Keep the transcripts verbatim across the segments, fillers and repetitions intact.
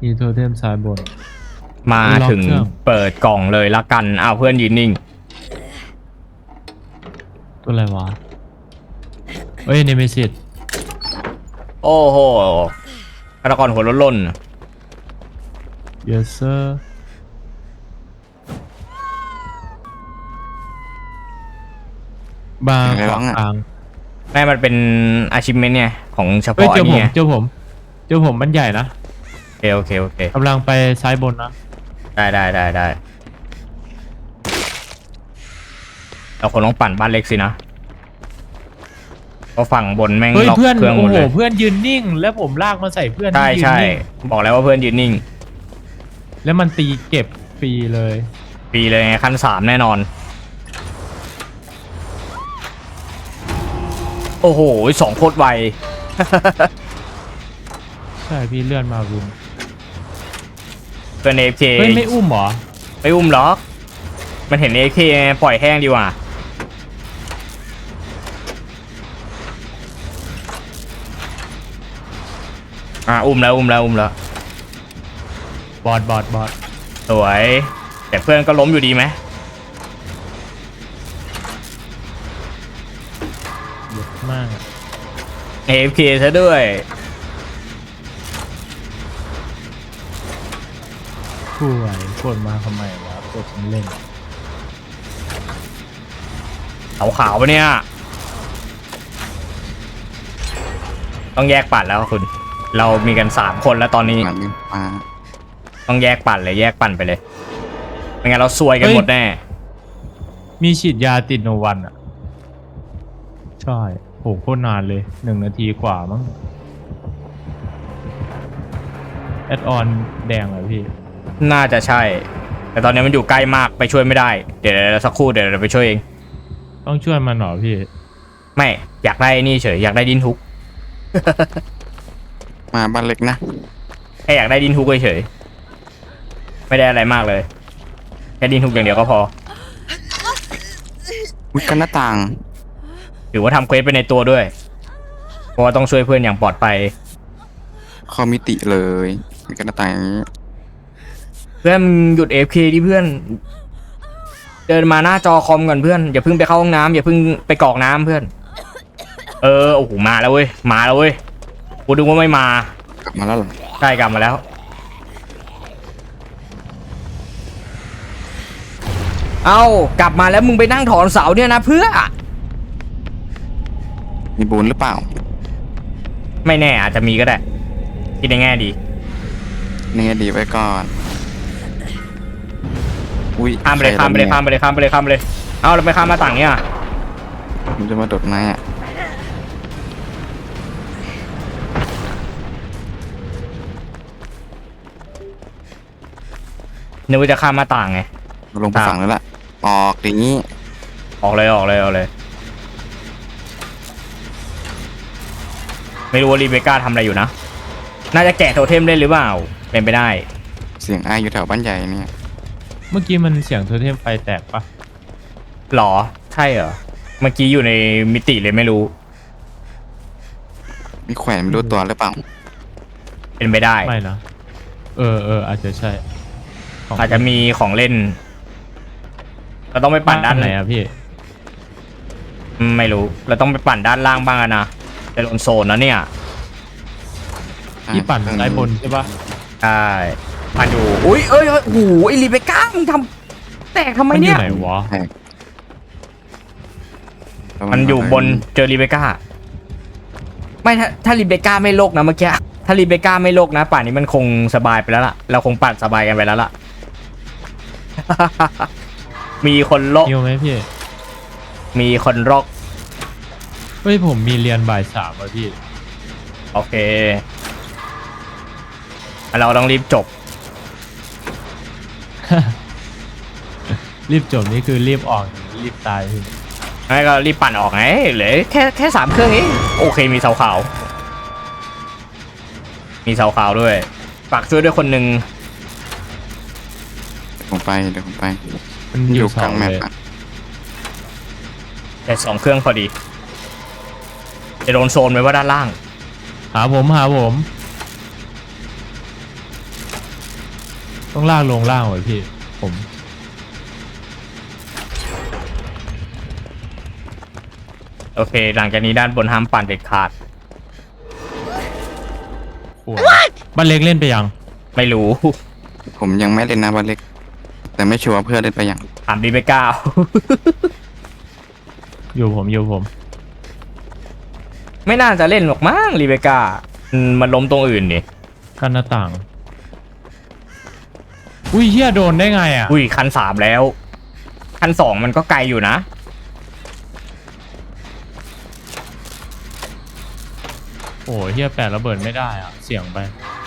อีโทเทมซ้ายบนมาถึงเปิดกล่องเลยละกันอ้าวเพื่อนยืนนิ่งตัวอะไรวะเอ้ยเนเมซิสโอ้โหฆาตกรหัวล้นล้น yes sir บาร์ขวางแม่มันเป็นอาชิเมนเนี่ยของเฉพาะเจอผมนี่เจอผมเจอผมมันใหญ่นะโอเคโอเคโอเคกำลังไปซ้ายบนนะได้ได้ได้ได้เราคนต้องปั่นบ้านเล็กสินะเพราะฝั่งบนแม่งล็อกเครื่องหมดเลยเพื่อนยืนนิ่งแล้วผมลากมาใส่เพื่อนใช่ใช่บอกแล้วว่าเพื่อนยืนนิ่งแล้วมันตีเก็บฟรีเลยฟรีเลยไงขั้นสามแน่นอนโอ้โหสองโคตรไวใช่พี่เลื่อนมาวินเป็นเอฟเคเฮ้ยไม่อุ้มหรอไม่อุ้มหรอกมันเห็นเอฟเคปล่อยแห้งดีกว่าอ่ะอุ้มแล้วอุ้มแล้วอุ้มแล้วบอดบอดบอดสวยแต่เพื่อนก็ล้มอยู่ดีไหมเยอะมากเอฟเคซะด้วยผู้ไหวกดมาทำไมวะกดฉันเล่นขาวขาวปะเนี่ยต้องแยกปั่นแล้วคุณเรามีกันสามคนแล้วตอนนี้ต้องแยกปั่นเลยแยกปั่นไปเลยไม่งั้นเราซวยกันหมดแน่มีฉีดยาติดโนวันอ่ะใช่โหโคตรนานเลยหนึ่งนาทีกว่ามั้งแอดออนแดงเหรอพี่น่าจะใช่แต่ตอนนี้มันอยู่ใกล้มากไปช่วยไม่ได้เดี๋ยวสักครู่เดี๋ยวเราไปช่วยเองต้องช่วยมันหรอพี่ไม่อยากได้นี่เฉยอยากได้ดินทุกมาบ้านเล็กนะแค่อยากได้ดินทุกเฉยไม่ได้อะไรมากเลยแค่ดินทุกอย่างเดียวก็พอวิกันหน้าต่างถือว่าทำเควสไปในตัวด้วยเพราะว่าต้องช่วยเพื่อนอย่างปลอดภัยคอมมิติเลยวิกันหน้าต่างอย่างนี้เพื่อนหยุด เอ เอฟ เค ดิเพื่อนเดินมาหน้าจอคอมก่อนเพื่อนอย่าเพิ่งไปเข้าห้องน้ำอย่าเพิ่งไปกรอกน้ำเพื่อนเออโอ้โหมาแล้วเว้ยมาแล้วเว้ยกูดูว่าไม่มากลับมาแล้วหรอใช่กลับมาแล้วเอ้ากลับมาแล้วมึงไปนั่งถอนเสาเนี่ยนะเพื่อมีบุญหรือเปล่าไม่แน่อาจจะมีก็ได้คิดในแง่ดีนี่ดีไว้ก่อนอุ้ยข้ามไปเลยข้ามไปเลยข้ามไปเลยข้ามไปเลยข้ามไปเลยเอาเราไปข้ามมาต่างเนี่ยมันจะมาโดดไหมอ่ะนึกว่าจะข้ามมาต่างไงลงไปฝั่งแล้วล่ะออกอย่างนี้ออกเลยออกเลยออกเลยไม่รู้ว่ารีเบคก้าทำอะไรอยู่นะน่าจะแกะโทเทมได้หรือเปล่าเป็นไปได้เสียงไออยู่แถวบ้านใหญ่เนี่ยเมื่อกี้มันเสียงโทเทมไฟแตกปะหรอใช่เหรอเมื่อกี้อยู่ในมิติเลยไม่รู้มีแขวนไม่รู้ตัวหรือเปล่าเป็นไปได้ไม่นะเออเอออาจจะใช่อาจจะมีของเล่นเราต้องไปปั่นด้านไหนอะพี่ไม่รู้เราต้องไปปั่นด้านล่างบ้างนะจะโดนโซนนะเนี่ยที่ปั่นซ้ายบนใช่ปะใช่ปั่นอยู่อุ้ยเอ้ยโอ้โหไอรีเบคก้ามึงทำแตกทำไมเนี่ยมันอยู่ไหนวะมันอยู่บนเจอรีเบคก้าไม่ถ้าถ้ารีเบคก้าไม่โลกนะเมื่อกี้ถ้ารีเบคก้าไม่โลกนะป่านนี้มันคงสบายไปแล้วล่ะเราคงปั่นสบายกันไปแล้วล่ะมีคนโลกมีไหมพี่มีคนโลกเฮ้ยผมมีเรียนบ่ายสามอ่ะพี่โอเคเราต้องรีบจบรีบจบนี่คือรีบออกรีบตายพี่ไม่ก็รีบปั่นออกไงเหลือแค่แค่สามเครื่องเองโอเคมีเสาขาวมีเสาขาวด้วยฝากช่วยด้วยคนหนึ่งผมไปเดี๋ยวผมไปมันอยู่กลางแมปแต่สองเครื่องพอดีจะโดนโซนไหมว่าด้านล่างหาผมหาผมต้องลากลงล่างไว้พี่ผมโอเค หลังจากนี้ด้านบนห้ามปั่นเด็ดขาดโอ้ยบ้านเล็กเล่นไปยังไม่รู้ผมยังไม่เล่นนะบอลเล็ก แต่ไม่ชัวร์เพื่อนเล่นไปยังถามดีไปก้าวอยู่ผมอยู่ผมไม่น่าจะเล่นหรอกมั้งรีเบคก้าอืมมันล้มตรงอื่นนี่กันหน้าต่าง อุ้ยเฮียโดนได้ไงอ่ะอุ้ยคันสามแล้ว คันสองมันก็ไกลอยู่นะโอ้เฮียแปะระเบิดไม่ได้อ่ะ เสี่ยงไป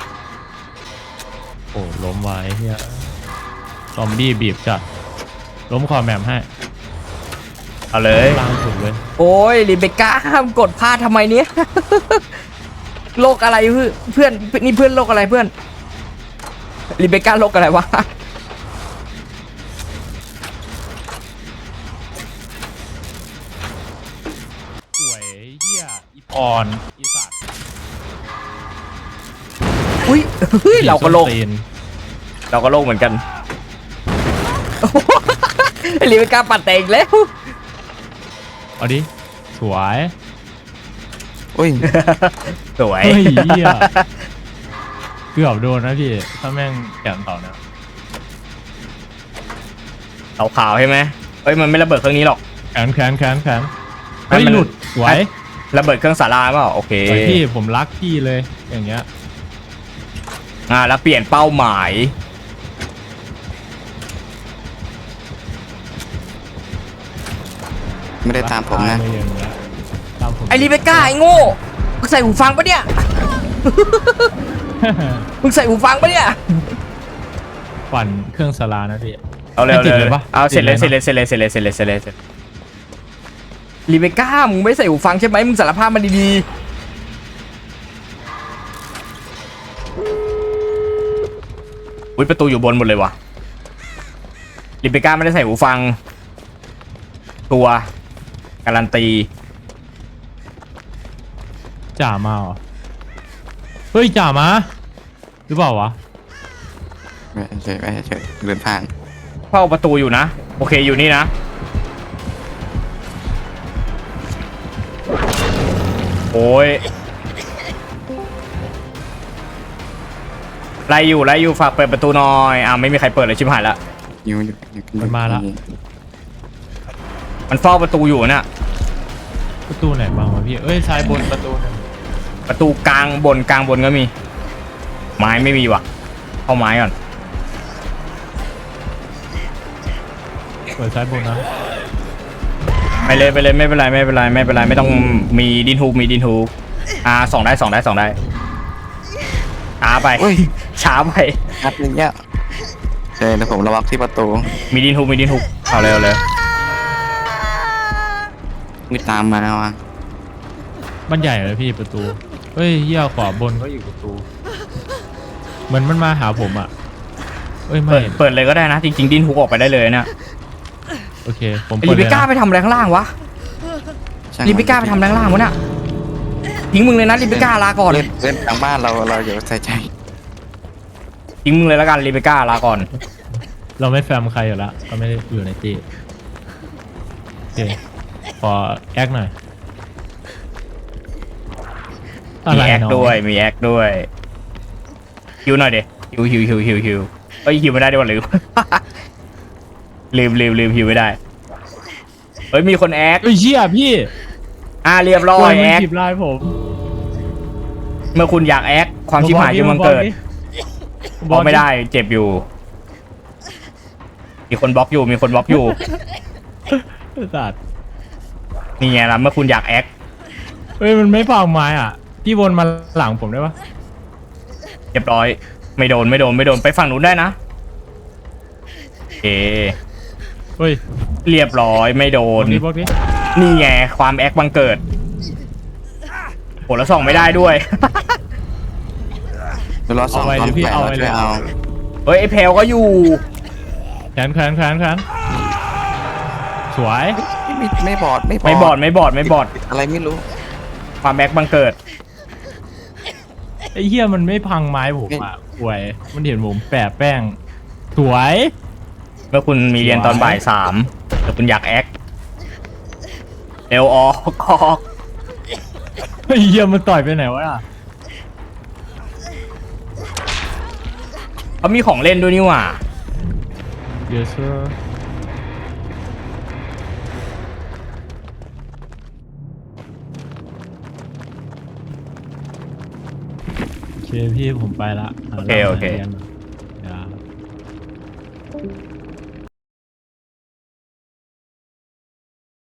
โอ้ล้มไว้เฮียซอมบี้บีบจัดล้มคอแมมให้เอาเลยล่างสุดเลยโอ้ยรีเบคก้าห้ามกดพลาดทำไมเนี้ย โลกอะไรเพื่อนเพื่อนนี่เพื่อนโลกอะไรเพื่อนรีเบคก้าโลกอะไรวะป่วยเฮียอีปอนอีสัตว์อุ้ยเฮ้ยเราก็โลกตีนเราก็โลกเหมือนกัน รีเบคก้าปัดแตกแล้วเอาดิ สวยอุ้ยสวยเฮ้ยเฮียเกือบโดนนะพี่ ถ้าแม่งแกนต่อนะขาวขาวๆใช่ไหมเฮ้ยมันไม่ระเบิดเครื่องนี้หรอกแขนแขนแขนแขนเฮ้ยมันหลุดสวยระเบิดเครื่องสาราเปล่าโอเคสวยพี่ผมรักพี่เลยอย่างเงี้ยอ่าแล้วเปลี่ยนเป้าหมายไม่ได้ตามผมนะรักตายเลยอย่างเงี้ยตามผมไอรีเบคก้าไอโง่มึงใส่หูฟังปะเนี่ย มึงใส่หูฟังปะเนี่ยปั่นเครื่องสลานะพี่เอาเลยเอาไม่ติดเลเลย ยปะเอาเสร็จเลยติเสร็ดจเลเลย ยเสร็จเลยเสร็จเลยเสร็จเลยเสร็จเลยเสร็จรีเบคก้ามึงไม่ใส่หูฟังใช่ไหมมึงสารภาพมันดีๆอุ้ยประตูอยู่บนหมดเลยวะรีเบคก้าไม่ได้ใส่หูฟัง ตัวการันตีจ่ามาเหรอเฮ้ยจ่ามาหรือเปล่าวะไม่เฉยไม่เฉยเดินผ่านเฝ้าประตูอยู่นะ โอเคอยู่นี่นะ โอ้ยไล่อยู่ไล่อยู่ฝากเปิดประตูหน่อยอ้าวไม่มีใครเปิดเลยชิบหายละอยู่อยู่อยู่อยู่มันมาละมันเฝ้าประตูอยู่น่ะประตูไหนบ้างวะพี่เอ้ยซ้ายบนประตูหนึ่งประตูกลางบนกลางบนก็มี ไม้ไม่มีว่ะเข้าไม้ก่อนเปิดซ้ายบนนะไปเลยไปเลยไม่เป็นไรไม่เป็นไรไม่เป็นไรไม่ต้องมีดินฮูกมีดินฮูกอ่าสองได้สองได้สองได้ช้าไปอุ้ยช้าไปนัดนึงเนี่ยเจอแล้วผมระวังที่ประตูมีดินฮูกมีดินฮูกเอาเร็วเลยมีตามมาว่ะมันใหญ่เลยพี่ประตูเฮ้ยเหี้ยขวาบนก็อยู่ประตูเหมือนมันมาหาผมอ่ะเอ้ยไม่เปิดเปิดเลยก็ได้นะจริงๆดินฮูกออกไปได้เลยเนี่ยโอเคผมไอ้เปิลิดเบเลยก้านะไปทำอะไรข้างล่างวะช่งลิเบก้าไปทำอะไรข้างล่างวะเนี่ยทิ้งมึงเลยนะลิเบก้าลาก่อนเล่นเล่นทางบ้านเราเราอย่าใส่ใจทิ้งมึงเลยแล้วกันลิเบก้าลาก่อนเราไม่แฟมใครอยู่ละก็ไม่ได้อยู่ในตีโอเคขอแอคหน่อยอะมีไรแอคเนาะด้วยมีแอคด้วยฮิวหน่อยเด็ฮิวฮิวฮิวฮิวฮิวเอ้ยฮิวไม่ได้ด้วยวะลืม ลืมลืมลืมฮิวไม่ได้เฮ้ยมีคนแอคเฮ้ยเชี่ยพี่อ่าเรียบร้อยมันแอคจีบไลน์ผมเมื่อคุณอยากแอคความชิบหายที่มันเกิดบบ ออก กไม่ได้เจ็บอยู่ มีคนบล็อกอยู่มีคนบล็อกอยู่สัตว์นี่ไงล่ะเมื่อคุณอยากแอคเฮ้ยมันไม่ฟังไม้อ่ะพี่วนมาหลังผมได้ปะเรียบร้อย ไม่โดนไม่โดนไม่โดนไปฝั่งนู้นได้นะโอเคเฮ้ยเรียบร้อยไม่โดบนอกนี้บอกนี้นี่ไงความแอคบังเกิดโหแล้วส่องไม่ได้ด้วยเดี๋ยวรอสองความแปลกเราช่วยเอาเฮ้ยไอเพลก็อยู่แขนแขนแขนแขนสวยไม่ไม่บอดไม่บอดไม่บอดไม่บอดไม่บอดอะไรไม่รู้ความแอคบังเกิดไอ้เหี้ยมันไม่พังไม้ผมอ่ะป่วยมันเห็นผมแปะแป้งสวยเมื่อคุณมีเรียนตอนบ่ายสามแต่คุณอยากแอคเร็วออกออกเฮ้ยเหี้ยมันต่อยไปไหนวะล่ะเขามีของเล่นด้วยนี่หว่า Yes sir โอเคพี่ผมไปละหาโอเคโอเคหารียน